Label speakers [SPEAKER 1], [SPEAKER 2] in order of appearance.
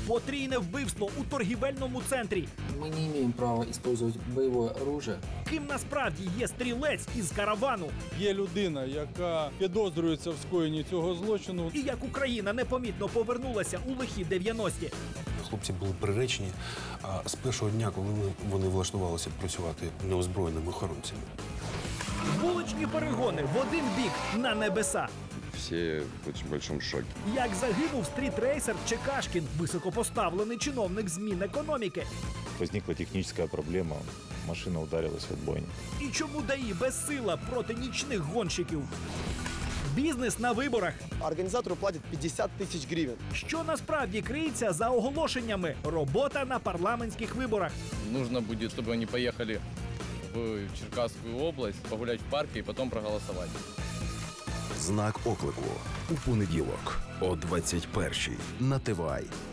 [SPEAKER 1] Потрійне вбивство у торгівельному центрі.
[SPEAKER 2] Мы не имеем права использовать боевое оружие.
[SPEAKER 1] Ким насправді є стрілець із каравану?
[SPEAKER 3] Є людина, яка підозрюється в скоєнні цього злочину.
[SPEAKER 1] І як Україна непомітно повернулася у лихі 90-ті.
[SPEAKER 4] Хлопці були приречені з першого дня, коли вони влаштувалися працювати неозброєними охоронцями.
[SPEAKER 1] Вуличні перегони в один бік на небеса.
[SPEAKER 5] Все в очень большом шоке.
[SPEAKER 1] Як загинув стрітрейсер Чекашкін, високопоставлений чиновник з Мінекономіки.
[SPEAKER 6] Возникла техническая проблема. Машина ударилась в отбойник.
[SPEAKER 1] І чому ДАІ безсила проти нічних гонщиків? Бізнес на виборах.
[SPEAKER 7] Организатору платят 50 тысяч гривен.
[SPEAKER 1] Що насправді криється за оголошеннями? Робота на парламентських виборах.
[SPEAKER 8] Нужно будет, чтобы они поехали в Черкасскую область, погулять в парке и потом проголосовать.
[SPEAKER 9] Знак оклику у понеділок о 21-й на ТВАЙ.